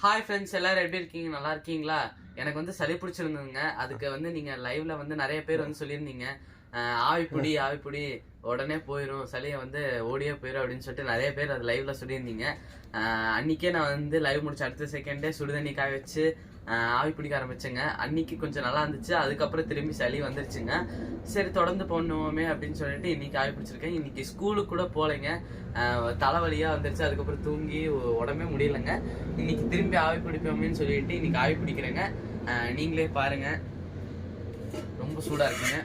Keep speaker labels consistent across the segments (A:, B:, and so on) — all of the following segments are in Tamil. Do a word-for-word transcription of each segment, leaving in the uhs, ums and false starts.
A: ஹாய் ஃப்ரெண்ட்ஸ், எல்லாரும் எப்படி இருக்கீங்க? நல்லா இருக்கீங்களா? எனக்கு வந்து சளி பிடிச்சிருந்ததுங்க. அதுக்கு வந்து நீங்க லைவ்ல வந்து நிறைய பேர் வந்து சொல்லியிருந்தீங்க, ஆவிப்புடி ஆவிப்புடி உடனே போயிடும், சளியை வந்து ஓடியே போயிடும் அப்படின்னு சொல்லிட்டு நிறைய பேர் அது லைவ்ல சொல்லியிருந்தீங்க. அன்னைக்கே நான் வந்து லைவ் முடிச்ச அடுத்த செகண்டே சுடுதண்ணி காய வச்சு ஆவி பிடிக்க ஆரம்பிச்சேங்க. அன்னைக்கு கொஞ்சம் நல்லா இருந்துச்சு. அதுக்கப்புறம் திரும்பி சளி வந்துருச்சுங்க. சரி, தொடர்ந்து பண்ணுவோமே அப்படின்னு சொல்லிட்டு இன்னைக்கு ஆவி பிடிச்சிருக்கேன். இன்னைக்கு ஸ்கூலுக்கு கூட போகலைங்க. தலைவலியா வந்துருச்சு. அதுக்கப்புறம் தூங்கி உடம்பே முடியலைங்க. இன்னைக்கு திரும்பி ஆவி பிடிப்போமேன்னு சொல்லிட்டு இன்னைக்கு ஆவி பிடிக்கிறேங்க. நீங்களே பாருங்க, ரொம்ப சூடா இருக்குங்க.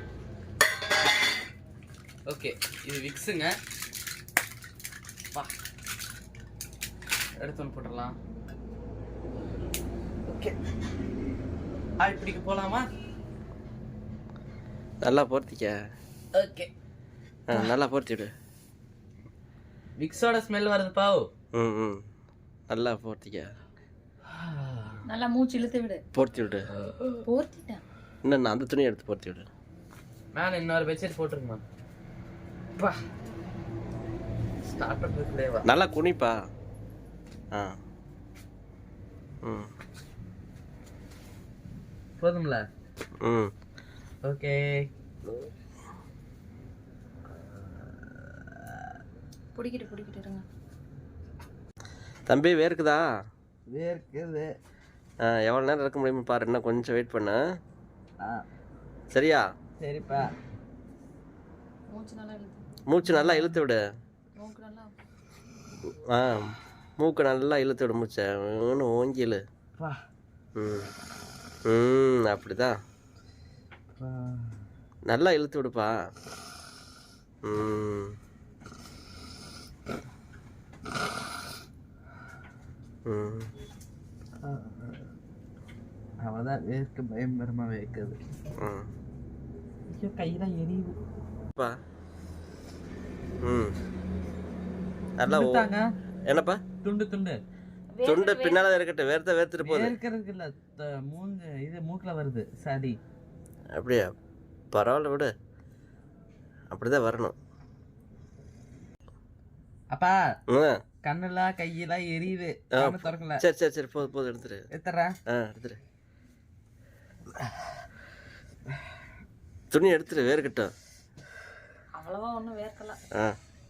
A: ஓகே, இது விக்ஸுங்க. பா எடுத்து ஒன்று போட்டுடலாம். ஓகே, ஆவி பிடிக்க போலாமா?
B: நல்லா போர்த்திக்க.
A: ஓகே,
B: நல்லா போர்த்தி விடு.
A: விக்ஸோட ஸ்மெல் வருது பாவு.
B: ம் ம் நல்லா போர்த்திக்க.
C: நல்லா மூச்சு இழுத்து விடு.
B: போர்த்தி விடு.
C: போர்த்திட்டேன்.
B: இன்னும் அந்த துணியை எடுத்து போர்த்தி விடு.
A: மேல இன்னொரு பெட்ஷீட் போட்டுருக்குமா? பா ஸ்டார்ட் பண்ணுறதுலேவா?
B: நல்லா குனிப்பா. ஆ ம்
A: போதும்ல?
B: ம்
A: ஓகே.
C: பிடிக்கிட்டு பிடிக்கிட்டு இருங்க.
B: தம்பி வேர்க்குதா?
A: வேர்க்குது.
B: ஆ எவ்வளோ நேரம் இருக்க முடியுமா பாரு. இன்னும் கொஞ்சம் வெயிட் பண்ணு. சரியா?
A: சரிப்பா.
C: மூச்சு நல்லா இழுத்து.
B: மூச்சு நல்லா இழுத்து விடு.
C: மூக்கு நல்லா.
B: ஆ மூக்கு நல்லா இழுத்து விடு. மூச்சை இன்னும் ஓங்கி இழு. ம் ம் அப்படிதான். நல்லா இழுத்து விடுப்பா. ம் ம்
A: அவதான் வேர்க்க பயங்கரமா வேர்க்குது.
B: ம்
A: கையெல்லாம் எரியுதுப்பா.
B: ம் நல்லா என்னப்பா?
A: துண்டு துண்டு
B: துண்டு பின்னால இருக்கட்டும். வேர்த்த வேர்த்துட்டு போகுது.
A: வேர்க்கிறதுக்கு இல்ல, மூஞ்சு இது மூக்குல வருது சரி.
B: அப்படியா? பரவாயில்ல விடு. அப்படிதான் வரணும்.
A: அப்பா
B: ம்
A: கண்ணெல்லாம் கையெல்லாம் எரியுது. திறக்கல.
B: சரி சரி சரி போதும் போதும் எடுத்துரு.
A: எடுத்துறேன்.
B: ஆ எடுத்துரு. துணி எடுத்துரு, வேர்க்கட்டும்.
C: அவ்வளவா ஒன்றும் வேர்க்கல.
B: ஆ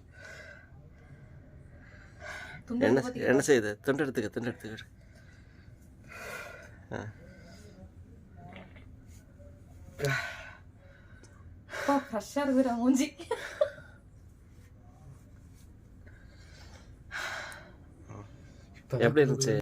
B: என்ன என்ன செய்யுது? துண்டு எடுத்துக்க, துண்டு எடுத்துக்க.
C: ஆ ஃப்ரெஷ்ஷாக இருக்கிற மூஞ்சி.
B: எப்படி இருந்துச்சு?